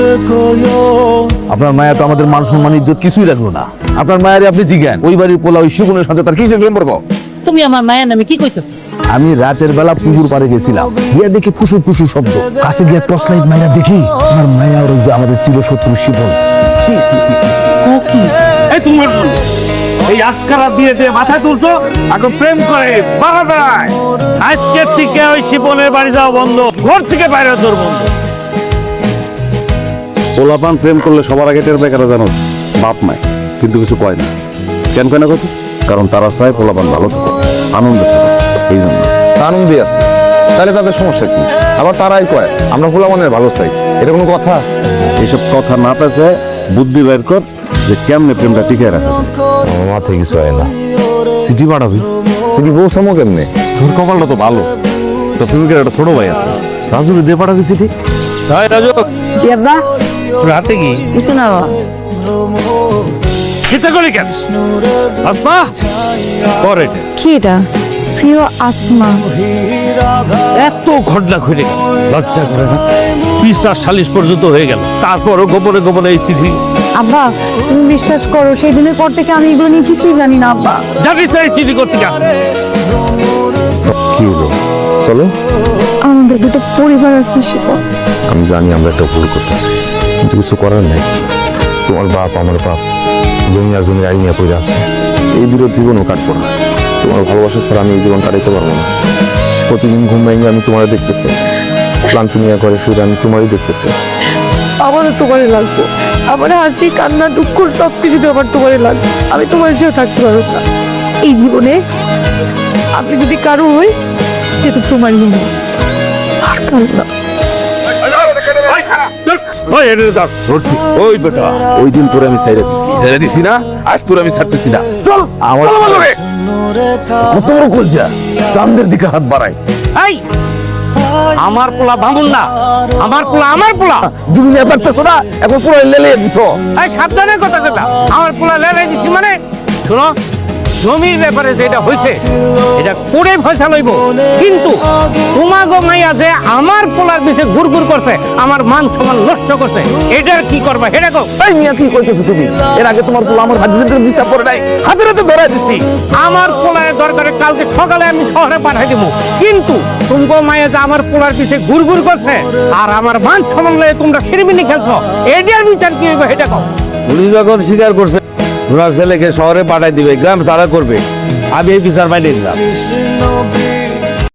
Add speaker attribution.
Speaker 1: আপনার মায়া তো আমাদের মান সম্মান ইজ্জত কিছুই রাখলো না। আপনার মায়ের আপনি জিজ্ঞান ওই বাড়ির পোলা ওই শিবনের সাথে তার কি সম্পর্ক?
Speaker 2: তুমি আমার মায়ের নামে কি কইতেছো?
Speaker 1: আমি রাতের বেলা পুকুর পাড়ে গেছিলাম, গিয়া দেখি ফুসু ফুসু শব্দ, কাছে গিয়ে টর্চ লাইট মাইরা দেখি আমার মায়া আর ওই যে আমাদের চিরশত্রু শিবন।
Speaker 3: এই তোমার এই আস্কারা দিয়ে দিয়ে মাথায় তুলছো, এখন প্রেম করে বাবা বেড়ায়। আজকের থেকে ওই শিপনের বাড়ি যাওয়া বন্ধ, ঘর থেকে বাইরে তোর বন্ধ।
Speaker 4: পোলাপান প্রেম করলে সবার আগে টের পায় কারা জানো? বাপ মায়, কিন্তু কিছু কয় না। কেন কয় না কথা? কারণ তারা চায় পোলাপান ভালো থাকে, আনন্দ থাকে। এই জন্য
Speaker 5: আনন্দে আছে, তাহলে তাদের সমস্যা কি? আবার তারাই কয় আমরা পোলাপানের ভালো চাই, এটা কোনো কথা?
Speaker 4: এইসব কথা না পেছে বুদ্ধি বের কর যে কেমনে প্রেমটা টিকিয়ে রাখা যায়।
Speaker 5: আমার মাথায় কিছু হয় না। সিটি পাঠাবি? সিটি পৌঁছামো কেমনে?
Speaker 4: তোর কপালটা তো ভালো, তো তুমি একটা ছোট ভাই আছে, রাজুকে দিয়ে পাঠাবি চিঠি।
Speaker 3: তাই রাজু,
Speaker 2: জি আব্বা।
Speaker 3: রাতে কি
Speaker 2: কিছু না বাবা।
Speaker 3: খেতে করি কেন? আসমা করে
Speaker 6: কি এটা? প্রিয় আসমা,
Speaker 3: এত ঘটনা ঘটে গেল, লজ্জা করে না? পিসার সালিশ পর্যন্ত হয়ে গেল, তারপরও গোপনে গোপনে এই চিঠি।
Speaker 6: আব্বা তুমি বিশ্বাস করো, সেই দিনের পর থেকে আমি এগুলো নিয়ে কিছুই জানি না আব্বা।
Speaker 3: জানিস না এই চিঠি করতে কেন?
Speaker 5: কি হলো? চলো।
Speaker 6: আমাদের দুটো পরিবার আছে শিপন।
Speaker 5: আমি জানি আমরা একটা ভুল করতেছি, কিন্তু কিছু করার নাই। তোমার বাপ আমার বাপ, জমি আর জমির আইনিয়া পড়ে আছে। এই বিরোধ জীবনও কাটবো না। তোমার ভালোবাসা ছাড়া আমি এই জীবন কাটাইতে পারবো না। প্রতিদিন ঘুম ভেঙে আমি তোমারে দেখতেছি, ক্লান্তি নিয়ে করে ফিরে আমি তোমারই দেখতেছি।
Speaker 6: আমারও তোমারই লাগবো, আমার হাসি কান্না দুঃখ সবকিছু আমার তোমারই লাগবে। আমি তোমার চেয়েও থাকতে পারবো না এই জীবনে। আমি যদি কারো হই সেটা তোমারই হবে, আর কারো না।
Speaker 1: ওই বেটা, ওই দিন তোরে আমি ছেড়ে দিছি না, আজ তোরে আমি ছাড়তেছি না। চল আমার কত বড় কলজা, চাঁদের দিকে হাত বাড়াই।
Speaker 3: এই আমার পোলা ভাঙুন না, আমার পোলা আমার পোলা।
Speaker 1: তুমি পারতেছো না, এখন পুরো লেলে দিছো।
Speaker 3: এই সাবধানে কথা কথা, আমার পোলা লেলাই দিছি মানে? শোনো, জমির ব্যাপারে যেটা হয়েছে এটা করে ফয়সা লইব, কিন্তু তোমাগো মাইয়া যে আমার পোলার পিছে ঘুরঘুর করছে, আমার মান সম্মান নষ্ট করছে, এটার কি করবা এটা কও।
Speaker 1: এই মিয়া কি কইতেছো তুমি? এর আগে তোমার পোলা আমার হাজিদের বিচার করে নাই, হাতের হাতে ধরাই দিছি।
Speaker 3: আমার পোলার দরকারে কালকে সকালে আমি শহরে পাঠাই দেবো, কিন্তু তুমগো মাইয়া যে আমার পোলার পিছে ঘুরঘুর করছে আর আমার মান সম্মান লয়ে তোমরা সিরিমিনি খেলছো, এটার বিচার কি হইব এটা কও।
Speaker 1: উনি যখন স্বীকার করছে ওনার ছেলেকে শহরে পাঠাই দিবে, গ্রাম ছাড়া করবে, আমি এই বিচার বাইরে দিলাম।